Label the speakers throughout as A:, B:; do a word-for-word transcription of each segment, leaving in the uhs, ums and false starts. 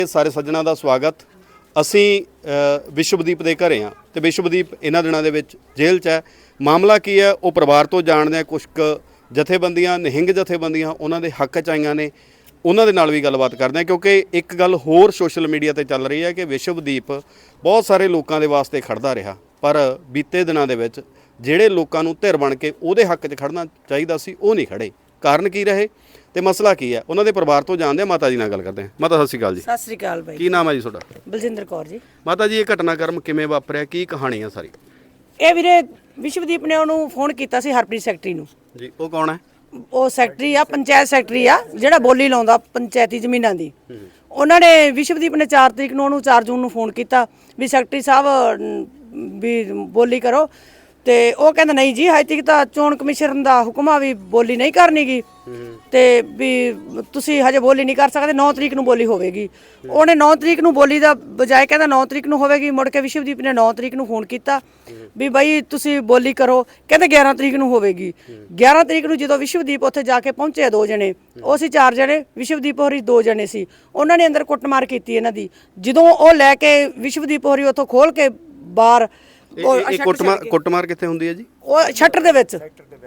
A: ਸਾਰੇ ਸੱਜਣਾ ਦਾ ਸਵਾਗਤ। ਅਸੀਂ ਵਿਸ਼ਵਦੀਪ ਦੇ ਘਰੇ ਹਾਂ ਤੇ ਵਿਸ਼ਵਦੀਪ ਇਹਨਾਂ ਦਿਨਾਂ ਦੇ ਵਿੱਚ ਜੇਲ੍ਹ 'ਚ ਹੈ। ਮਾਮਲਾ ਕੀ ਹੈ ਉਹ ਪਰਿਵਾਰ ਤੋਂ ਜਾਣਦੇ ਆ। ਕੁਝ ਕੁ ਜਥੇਬੰਦੀਆਂ ਨਿਹੰਗ ਜਥੇਬੰਦੀਆਂ ਉਹਨਾਂ ਦੇ ਹੱਕ 'ਚ ਆਈਆਂ ਨੇ, ਉਹਨਾਂ ਦੇ ਨਾਲ ਵੀ ਗੱਲਬਾਤ ਕਰਦੇ ਹਾਂ ਕਿਉਂਕਿ ਇੱਕ ਗੱਲ ਹੋਰ ਸੋਸ਼ਲ ਮੀਡੀਆ ਤੇ ਚੱਲ ਰਹੀ ਹੈ ਕਿ ਵਿਸ਼ਵਦੀਪ ਬਹੁਤ ਸਾਰੇ ਲੋਕਾਂ ਦੇ ਵਾਸਤੇ ਖੜਦਾ ਰਿਹਾ, ਪਰ ਬੀਤੇ ਦਿਨਾਂ ਦੇ ਵਿੱਚ ਜਿਹੜੇ ਲੋਕਾਂ ਨੂੰ ਧਿਰ ਬਣ ਕੇ ਉਹਦੇ ਹੱਕ 'ਚ ਖੜਨਾ ਚਾਹੀਦਾ ਸੀ ਉਹ ਨਹੀਂ ਖੜੇ। ਕਾਰਨ ਕੀ ਰਹੇ ਤੇ ਮਸਲਾ ਕੀ ਹੈ ਉਹਨਾਂ ਦੇ ਪਰਿਵਾਰ ਤੋਂ ਜਾਣਦੇ ਆ। ਮਾਤਾ ਜੀ ਨਾਲ ਗੱਲ ਕਰਦੇ ਹਾਂ। ਮਾਤਾ ਸਤਿ ਸ਼੍ਰੀ ਅਕਾਲ ਜੀ।
B: ਸਤਿ ਸ਼੍ਰੀ ਅਕਾਲ ਬਾਈ।
A: ਕੀ ਨਾਮ ਹੈ ਜੀ ਤੁਹਾਡਾ?
B: ਬਲਜਿੰਦਰ ਕੌਰ ਜੀ।
A: ਮਾਤਾ ਜੀ ਇਹ ਘਟਨਾਕ੍ਰਮ ਕਿਵੇਂ ਵਾਪਰਿਆ, ਕੀ ਕਹਾਣੀ ਆ ਸਾਰੀ?
B: ਇਹ ਵੀਰੇ ਵਿਸ਼ਵਦੀਪ ਨੇ ਉਹਨੂੰ ਫੋਨ ਕੀਤਾ ਸੀ ਹਰਪ੍ਰੀਤ ਸੈਕਟਰੀ ਨੂੰ
A: ਜੀ। ਉਹ ਕੌਣ ਹੈ?
B: ਉਹ ਸੈਕਟਰੀ ਆ, ਪੰਚਾਇਤ ਸੈਕਟਰੀ ਆ, ਜਿਹੜਾ ਬੋਲੀ ਲਾਉਂਦਾ ਪੰਚਾਇਤੀ ਜ਼ਮੀਨਾਂ ਦੀ। ਉਹਨਾਂ ਨੇ ਵਿਸ਼ਵਦੀਪ ਨੇ ਚਾਰ ਤਰੀਕ ਨੂੰ ਉਹਨੂੰ ਚਾਰ ਜੂਨ ਨੂੰ ਫੋਨ ਕੀਤਾ ਵੀ ਸੈਕਟਰੀ ਸਾਹਿਬ ਵੀ ਬੋਲੀ ਕਰੋ, ਤੇ ਉਹ ਕਹਿੰਦਾ ਨਹੀਂ ਜੀ ਹਜੇ ਤੱਕ ਤਾਂ ਚੋਣ ਕਮਿਸ਼ਨ ਦਾ ਹੁਕਮ ਆ ਵੀ ਬੋਲੀ ਨਹੀਂ ਕਰਨੀ ਗੀ, ਤੇ ਵੀ ਤੁਸੀਂ ਹਜੇ ਬੋਲੀ ਨਹੀਂ ਕਰ ਸਕਦੇ, ਨੌ ਤਰੀਕ ਨੂੰ ਬੋਲੀ ਹੋਵੇਗੀ। ਉਹਨੇ ਨੌ ਤਰੀਕ ਨੂੰ ਬੋਲੀ ਦਾ ਬਜਾਏ ਕਹਿੰਦਾ ਨੌ ਤਰੀਕ ਨੂੰ ਹੋਵੇਗੀ। ਮੁੜ ਕੇ ਵਿਸ਼ਵਦੀਪ ਨੇ ਨੌ ਤਰੀਕ ਨੂੰ ਫੋਨ ਕੀਤਾ ਵੀ ਬਾਈ ਤੁਸੀਂ ਬੋਲੀ ਕਰੋ, ਕਹਿੰਦੇ ਗਿਆਰਾਂ ਤਰੀਕ ਨੂੰ ਹੋਵੇਗੀ। ਗਿਆਰਾਂ ਤਰੀਕ ਨੂੰ ਜਦੋਂ ਵਿਸ਼ਵਦੀਪ ਉੱਥੇ ਜਾ ਕੇ ਪਹੁੰਚੇ ਦੋ ਜਣੇ, ਉਹ ਸੀ ਚਾਰ ਜਣੇ, ਵਿਸ਼ਵਦੀਪ ਹੋਰੀ ਦੋ ਜਣੇ ਸੀ। ਉਹਨਾਂ ਨੇ ਅੰਦਰ ਕੁੱਟਮਾਰ ਕੀਤੀ ਇਹਨਾਂ ਦੀ। ਜਦੋਂ ਉਹ ਲੈ ਕੇ ਵਿਸ਼ਵਦੀਪ ਹੋਰੀ ਉੱਥੋਂ ਖੋਲ ਕੇ ਬਾਹਰ
A: ਇਹ ਕੁੱਟਮਾਰ ਕੁੱਟਮਾਰ ਕਿੱਥੇ ਹੁੰਦੀ ਹੈ ਜੀ? ਉਹ
B: ਸ਼ਟਰ ਦੇ ਵਿੱਚ,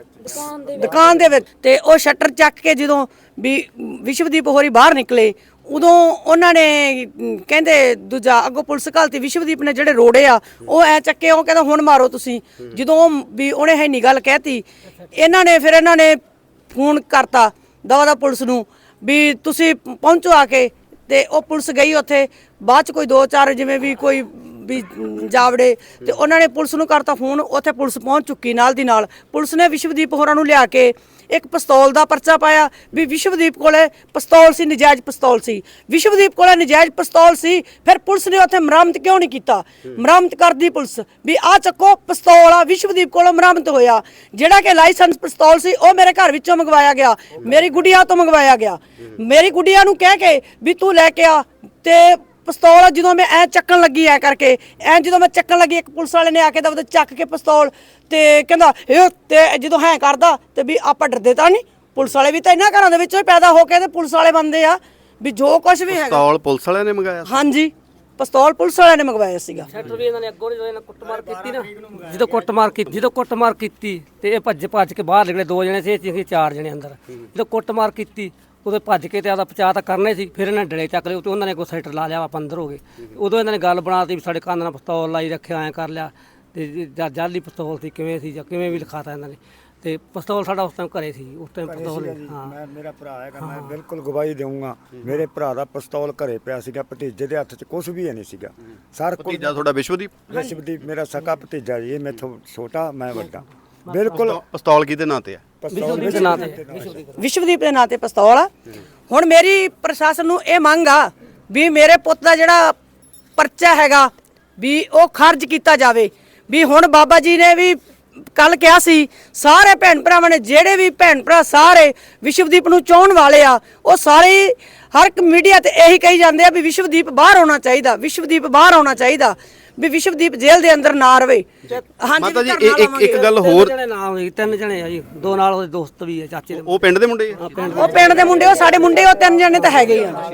B: ਦੁਕਾਨ ਦੇ ਵਿੱਚ। ਤੇ ਉਹ ਸ਼ਟਰ ਚੱਕ ਕੇ ਜਦੋਂ ਵੀ ਵਿਸ਼ਵਦੀਪ ਹੋਰੀ ਬਾਹਰ ਨਿਕਲੇ ਉਦੋਂ ਉਹਨਾਂ ਨੇ ਕਹਿੰਦੇ ਦੂਜਾ ਅੱਗੋਂ ਪੁਲਿਸ ਘਾਲਤੀ। ਵਿਸ਼ਵਦੀਪ ਨੇ ਜਿਹੜੇ ਰੋੜੇ ਆ ਉਹ ਐ ਚੱਕੇ, ਉਹ ਕਹਿੰਦਾ ਹੁਣ ਮਾਰੋ ਤੁਸੀਂ। ਜਦੋਂ ਵੀ ਉਹਨੇ ਹੈ ਨਹੀਂ ਗੱਲ ਕਹਿਤੀ, ਇਹਨਾਂ ਨੇ ਫਿਰ ਇਹਨਾਂ ਨੇ ਫੋਨ ਕਰਤਾ ਦਵਾ ਦਾ ਪੁਲਿਸ ਨੂੰ ਵੀ ਤੁਸੀਂ ਪਹੁੰਚੋ ਆ ਕੇ। ਤੇ ਉਹ ਪੁਲਿਸ ਗਈ ਉੱਥੇ। ਬਾਅਦ ਚ ਕੋਈ ਦੋ ਚਾਰ ਜਿਵੇਂ ਵੀ ਕੋਈ ਵੀ ਜਾਵੜੇ, ਤੇ ਉਹਨਾਂ ਨੇ ਪੁਲਿਸ ਨੂੰ ਕਰਤਾ ਫੋਨ। ਉੱਥੇ ਪੁਲਿਸ ਪਹੁੰਚ ਚੁੱਕੀ ਨਾਲ ਦੀ ਨਾਲ। ਪੁਲਿਸ ਨੇ ਵਿਸ਼ਵਦੀਪ ਹੋਰਾਂ ਨੂੰ ਲਿਆ ਕੇ ਇੱਕ ਪਿਸਤੌਲ ਦਾ ਪਰਚਾ ਪਾਇਆ ਵੀ ਵਿਸ਼ਵਦੀਪ ਕੋਲੇ ਪਿਸਤੌਲ ਸੀ, ਨਜਾਇਜ਼ ਪਿਸਤੌਲ ਸੀ। ਵਿਸ਼ਵਦੀਪ ਕੋਲੇ ਨਜਾਇਜ਼ ਪਿਸਤੌਲ ਸੀ, ਫਿਰ ਪੁਲਿਸ ਨੇ ਉੱਥੇ ਮਰਾਮਤ ਕਿਉਂ ਨਹੀਂ ਕੀਤਾ? ਮਰਾਮਤ ਕਰਦੀ ਪੁਲਿਸ ਵੀ ਆਹ ਚੱਕੋ ਪਿਸਤੌਲ ਆ, ਵਿਸ਼ਵਦੀਪ ਕੋਲੋਂ ਮਰਾਮਤ ਹੋਇਆ। ਜਿਹੜਾ ਕਿ ਲਾਇਸੈਂਸ ਪਿਸਤੌਲ ਸੀ ਉਹ ਮੇਰੇ ਘਰ ਵਿੱਚੋਂ ਮੰਗਵਾਇਆ ਗਿਆ, ਮੇਰੀ ਗੁੱਡੀਆ ਤੋਂ ਮੰਗਵਾਇਆ ਗਿਆ। ਮੇਰੀ ਗੁੱਡੀਆ ਨੂੰ ਕਹਿ ਕੇ ਵੀ ਤੂੰ ਲੈ ਕੇ ਆ। ਤੇ ਪਿਸਤੌਲ ਜਦੋਂ ਮੈਂ ਐ ਚੱਕਣ ਲੱਗੀ ਐ ਕਰਕੇ, ਐ ਜਦੋਂ ਮੈਂ ਚੱਕਣ ਲੱਗੀ ਇੱਕ ਪੁਲਿਸ ਵਾਲੇ ਨੇ ਆ ਕੇ ਦਵਦੇ ਚੱਕ ਕੇ ਪਿਸਤੌਲ ਤੇ ਕਹਿੰਦਾ ਇਹ, ਤੇ ਜਦੋਂ ਹੈ ਕਰਦਾ ਤੇ ਵੀ ਆਪਾਂ ਡਰਦੇ ਤਾਂ ਨਹੀਂ। ਪੁਲਿਸ ਵਾਲੇ ਵੀ ਤਾਂ ਇਹਨਾਂ ਘਰਾਂ ਦੇ ਵਿੱਚੋਂ ਹੀ ਪੈਦਾ ਹੋ ਕੇ ਤੇ ਪੁਲਿਸ ਵਾਲੇ ਬੰਦੇ ਆ ਵੀ ਜੋ ਕੁਝ ਵੀ ਹੈਗਾ।
A: ਪਿਸਤੌਲ ਪੁਲਿਸ ਵਾਲਿਆਂ ਨੇ ਮੰਗਾਇਆ? ਹਾਂਜੀ,
B: ਪਿਸਤੌਲ ਪੁਲਿਸ ਵਾਲਿਆਂ ਨੇ ਮੰਗਵਾਇਆ ਸੀਗਾ।
C: ਸ਼ਟਰ ਵੀ ਇਹਨਾਂ ਨੇ ਅੱਗੋਂ ਜਦੋਂ ਇਹਨਾਂ ਕੁੱਟਮਾਰ ਕੀਤੀ ਨਾ, ਜਦੋਂ ਕੁੱਟਮਾਰ ਕੀਤੀ ਜਦੋਂ ਕੁੱਟਮਾਰ ਕੀਤੀ ਤੇ ਇਹ ਭੱਜ ਭੱਜ ਕੇ ਬਾਹਰ ਨਿਕਲੇ। ਦੋ ਜਣੇ ਸੀ, ਅਸੀਂ ਚਾਰ ਜਣੇ ਅੰਦਰ। ਜਦੋਂ ਕੁੱਟਮਾਰ ਕੀਤੀ ਉਦੋਂ ਭੱਜ ਕੇ ਤੇ ਆਦਾ ਪਚਾ ਤਾਂ ਕਰਨੇ ਸੀ। ਫਿਰ ਇਹਨਾਂ ਡਲੇ ਚੱਕ ਲਏ ਤੇ ਉਹਨਾਂ ਨੇ ਕੋਈ ਸੈਟਰ ਲਾ ਲਿਆ, ਆਪਾਂ ਅੰਦਰ ਹੋ ਗਏ। ਉਦੋਂ ਇਹਨਾਂ ਨੇ ਗੱਲ ਬਣਾਤੀ ਵੀ ਸਾਡੇ ਕੰਨ ਨਾਲ ਪਿਸਤੌਲ ਲਾਈ ਰੱਖਿਆ, ਐਂ ਕਰ ਲਿਆ। ਤੇ ਜਾਲੀ ਪਿਸਤੌਲ ਸੀ ਕਿਵੇਂ ਸੀ ਜਾਂ ਕਿਵੇਂ ਵੀ ਲਿਖਾਤਾ ਇਹਨਾਂ ਨੇ। ਤੇ ਪਿਸਤੌਲ ਸਾਡਾ ਉਸ ਟਾਈਮ ਘਰੇ ਸੀ। ਉਸ ਟਾਈਮ ਪਿਸਤੌਲ ਹਾਂ
D: ਮੈਂ ਮੇਰਾ ਭਰਾ ਹੈਗਾ, ਮੈਂ ਬਿਲਕੁਲ ਗਵਾਹੀ ਦੇਵਾਂਗਾ। ਮੇਰੇ ਭਰਾ ਦਾ ਪਿਸਤੌਲ ਘਰੇ ਪਿਆ ਸੀਗਾ, ਭਤੀਜੇ ਦੇ ਹੱਥ 'ਚ ਕੁਝ ਵੀ ਨਹੀਂ ਸੀਗਾ। ਸਰ
A: ਭਤੀਜਾ ਤੁਹਾਡਾ ਵਿਸ਼ਵਦੀਪ?
D: ਵਿਸ਼ਵਦੀਪ ਮੇਰਾ ਸਕਾ ਭਤੀਜਾ ਜੀ। ਇਹ ਮੈਥੋਂ ਛੋਟਾ, ਮੈਂ ਵੱਡਾ। ਬਿਲਕੁਲ।
A: ਪਿਸਤੌਲ ਕਿਹਦੇ ਨਾਂ ਤੇ ਆ?
B: ਵਿਸ਼ਵਦੀਪ ਦੇ ਨਾਂ ਤੇ, ਵਿਸ਼ਵਦੀਪ ਦੇ ਨਾਂ ਤੇ ਪਿਸਤੌਲ ਆ। ਹੁਣ ਮੇਰੀ ਪ੍ਰਸ਼ਾਸਨ ਨੂੰ ਇਹ ਮੰਗ ਆ ਵੀ ਮੇਰੇ ਪੁੱਤ ਦਾ ਜਿਹੜਾ ਪਰਚਾ ਹੈਗਾ ਵੀ ਉਹ ਖਾਰਜ ਕੀਤਾ ਜਾਵੇ। ਵੀ ਹੁਣ ਬਾਬਾ ਜੀ ਨੇ ਵੀ ਕੱਲ ਕਿਹਾ ਸੀ ਸਾਰੇ ਭੈਣ ਭਰਾਵਾਂ ਨੇ, ਜਿਹੜੇ ਵੀ ਭੈਣ ਭਰਾ ਸਾਰੇ ਵਿਸ਼ਵਦੀਪ ਨੂੰ ਚਾਹਣ ਵਾਲੇ ਆ, ਉਹ ਸਾਰੇ ਹਰ ਇੱਕ ਮੀਡੀਆ ਤੇ ਇਹੀ ਕਹੀ ਜਾਂਦੇ ਆ ਵੀ ਵਿਸ਼ਵਦੀਪ ਬਾਹਰ ਆਉਣਾ ਚਾਹੀਦਾ, ਵਿਸ਼ਵਦੀਪ ਬਾਹਰ ਆਉਣਾ ਚਾਹੀਦਾ, ਵੀ ਵਿਸ਼ਵਦੀਪ ਜੇਲ੍ਹ ਦੇ ਅੰਦਰ ਨਾ ਰਵੇ।
A: ਮਾਤਾ ਜੀ ਇੱਕ ਇੱਕ ਗੱਲ ਹੋਰ,
C: ਜਣੇ ਨਾ ਹੋਈ, ਤਿੰਨ ਜਣੇ ਆ ਜੀ, ਦੋ ਨਾਲ ਉਹਦੇ ਦੋਸਤ ਵੀ ਆ, ਚਾਚੇ ਦੇ।
A: ਉਹ ਪਿੰਡ ਦੇ ਮੁੰਡੇ ਆ?
B: ਉਹ ਪਿੰਡ ਦੇ ਮੁੰਡੇ, ਉਹ ਸਾਡੇ ਮੁੰਡੇ, ਉਹ ਤਿੰਨ ਜਣੇ ਤਾਂ ਹੈਗੇ ਹੀ ਆ।